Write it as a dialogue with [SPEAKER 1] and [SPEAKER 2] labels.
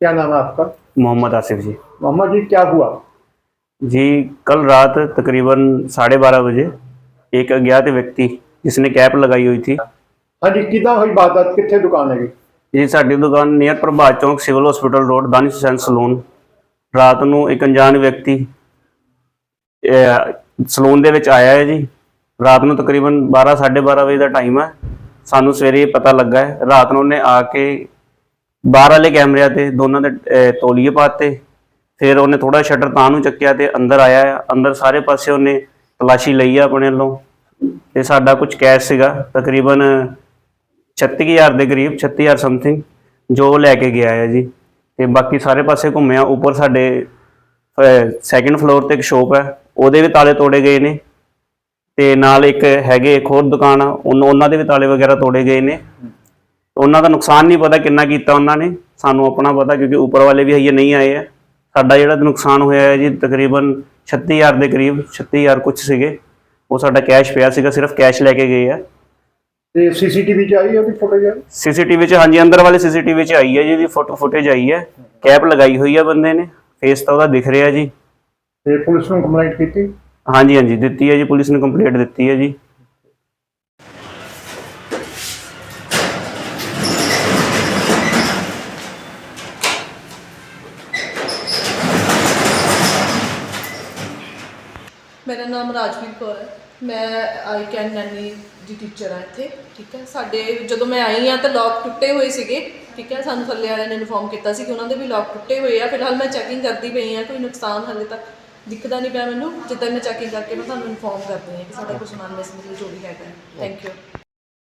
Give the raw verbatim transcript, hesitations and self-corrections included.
[SPEAKER 1] क्या नाम है आपका?
[SPEAKER 2] मोहम्मद आसिफ जी।
[SPEAKER 1] मोहम्मद जी, क्या हुआ?
[SPEAKER 2] जी कल रात तकरीबन साढ़े बारह बजे एक अज्ञात व्यक्ति जिसने कैप लगाई हुई थी।
[SPEAKER 1] हाँ जी, किदा हुई बात? कितने दुकान है?
[SPEAKER 2] जी साड़ी दुकान near Prabhat Chowk civil hospital road Danish Hussain salon. रात ਨੂੰ एक अनजान व्यक्ति सलून ਦੇ ਵਿੱਚ ਆਇਆ ਹੈ ਜੀ। ਰਾਤ ਨੂੰ ਤਕਰੀਬਨ ਬਾਰਾਂ ਸਾਢੇ ਬਾਰਾਂ ਵਜੇ ਦਾ ਟਾਈਮ ਹੈ। ਸਾਨੂੰ ਸਵੇਰੇ ਪਤਾ ਲੱਗਾ ਹੈ ਰਾਤ ਨੂੰ ਉਹਨੇ ਆ ਕੇ ਬਾਹਰ ਵਾਲੇ ਕੈਮਰਿਆਂ ਤੇ ਦੋਨਾਂ ਦੇ ਤੌਲੀਏ ਪਾਤੇ। ਫਿਰ ਉਹਨੇ ਥੋੜਾ ਸ਼ਟਰ ਤਾਂ ਨੂੰ ਚੱਕਿਆ ਤੇ ਅੰਦਰ ਆਇਆ। ਅੰਦਰ ਸਾਰੇ ਪਾਸੇ ਉਹਨੇ ਤਲਾਸ਼ੀ ਲਈ ਆ ਆਪਣੇ ਵੱਲੋਂ ਤੇ ਸਾਡਾ ਕੁਝ ਕੈਸ਼ ਸੀਗਾ ਤਕਰੀਬਨ ਛੱਤੀ ਹਜ਼ਾਰ ਦੇ ਕਰੀਬ, ਛੱਤੀ ਹਜ਼ਾਰ ਸਮਥਿੰਗ ਜੋ ਲੈ ਕੇ ਗਿਆ ਹੈ ਜੀ। ਤੇ ਬਾਕੀ ਸਾਰੇ ਪਾਸੇ ਘੁੰਮਿਆ। ਉੱਪਰ ਸਾਡੇ ਸੈਕਿੰਡ ਫਲੋਰ ਤੇ ਇੱਕ ਸ਼ੋਪ ਹੈ, ਉਹਦੇ ਵੀ ਤਾਲੇ ਤੋੜੇ ਗਏ ਨੇ ਤੇ ਨਾਲ ਇੱਕ ਹੈਗੇ ਇੱਕ ਹੋਰ ਦੁਕਾਨ ਆ, ਉਹਨਾਂ ਦੇ ਵੀ ਤਾਲੇ ਵਗੈਰਾ ਤੋੜੇ ਗਏ ਨੇ। ਉਹਨਾਂ ਦਾ ਨੁਕਸਾਨ ਨਹੀਂ ਪਤਾ ਕਿੰਨਾ ਕੀਤਾ ਉਹਨਾਂ ਨੇ, ਸਾਨੂੰ ਆਪਣਾ ਪਤਾ ਕਿਉਂਕਿ ਉੱਪਰ ਵਾਲੇ ਵੀ ਹਜੇ ਨਹੀਂ ਆਏ ਆ। ਸਾਡਾ ਜਿਹੜਾ ਨੁਕਸਾਨ ਹੋਇਆ ਹੈ ਜੀ ਤਕਰੀਬਨ ਛੱਤੀ ਹਜ਼ਾਰ ਦੇ ਕਰੀਬ, ਛੱਤੀ ਹਜ਼ਾਰ ਕੁਛ ਸੀਗੇ। ਉਹ ਸਾਡਾ ਕੈਸ਼ ਪਿਆ ਸੀਗਾ, ਸਿਰਫ ਕੈਸ਼ ਲੈ ਕੇ ਗਏ ਆ।
[SPEAKER 1] ਤੇ ਸੀਸੀਟੀਵੀ ਚ ਆਈ ਉਹਦੀ ਫੁਟੇਜ?
[SPEAKER 2] ਸੀਸੀਟੀਵੀ ਚ ਹਾਂਜੀ, ਅੰਦਰ ਵਾਲੇ ਸੀਸੀਟੀਵੀ ਚ ਆਈ ਹੈ ਜੀ, ਇਹਦੀ ਫੋਟੋ ਫੁਟੇਜ ਆਈ ਹੈ। ਕੈਪ ਲਗਾਈ ਹੋਈ ਹੈ ਬੰਦੇ ਨੇ, ਫੇਸ ਤਾਂ ਉਹਦਾ ਦਿਖ ਰਿਹਾ ਜੀ।
[SPEAKER 1] ਤੇ ਪੁਲਿਸ ਨੂੰ ਕੰਪਲੇਂਟ ਕੀਤੀ?
[SPEAKER 2] ਹਾਂਜੀ ਹਾਂਜੀ ਦਿੱਤੀ ਹੈ ਜੀ, ਪੁਲਿਸ ਨੇ ਕੰਪਲੇਂਟ ਦਿੱਤੀ ਹੈ ਜੀ।
[SPEAKER 3] मेरा नाम राजवीर कौर है, मैं आई कैन नैनी ਦੀ ਟੀਚਰ ਹਾਂ ਇੱਥੇ। ਠੀਕ ਹੈ, ਸਾਡੇ ਜਦੋਂ ਮੈਂ ਆਈ ਹਾਂ ਤਾਂ ਲੌਕ ਟੁੱਟੇ ਹੋਏ ਸੀਗੇ। ਠੀਕ ਹੈ, ਸਾਨੂੰ ਥੱਲੇ ਵਾਲਿਆਂ ਨੇ ਇਨਫੋਰਮ ਕੀਤਾ ਸੀ ਕਿ ਉਹਨਾਂ ਦੇ ਵੀ ਲੌਕ ਟੁੱਟੇ ਹੋਏ ਆ। ਫਿਲਹਾਲ ਮੈਂ ਚੈਕਿੰਗ ਕਰਦੀ ਪਈ ਹਾਂ, ਕੋਈ ਨੁਕਸਾਨ ਹਾਲੇ ਤੱਕ ਦਿਖਦਾ ਨਹੀਂ ਪਿਆ ਮੈਨੂੰ। ਜਿੱਦਾਂ ਮੈਂ ਚੈਕਿੰਗ ਕਰਕੇ ਮੈਂ ਤੁਹਾਨੂੰ ਇਨਫੋਰਮ ਕਰਦੀ ਹਾਂ ਕਿ ਸਾਡਾ ਕੋਈ ਸਮਾਨ ਮਿਸ ਮਿਲੇ ਜੋ ਵੀ ਹੈਗਾ। Thank you.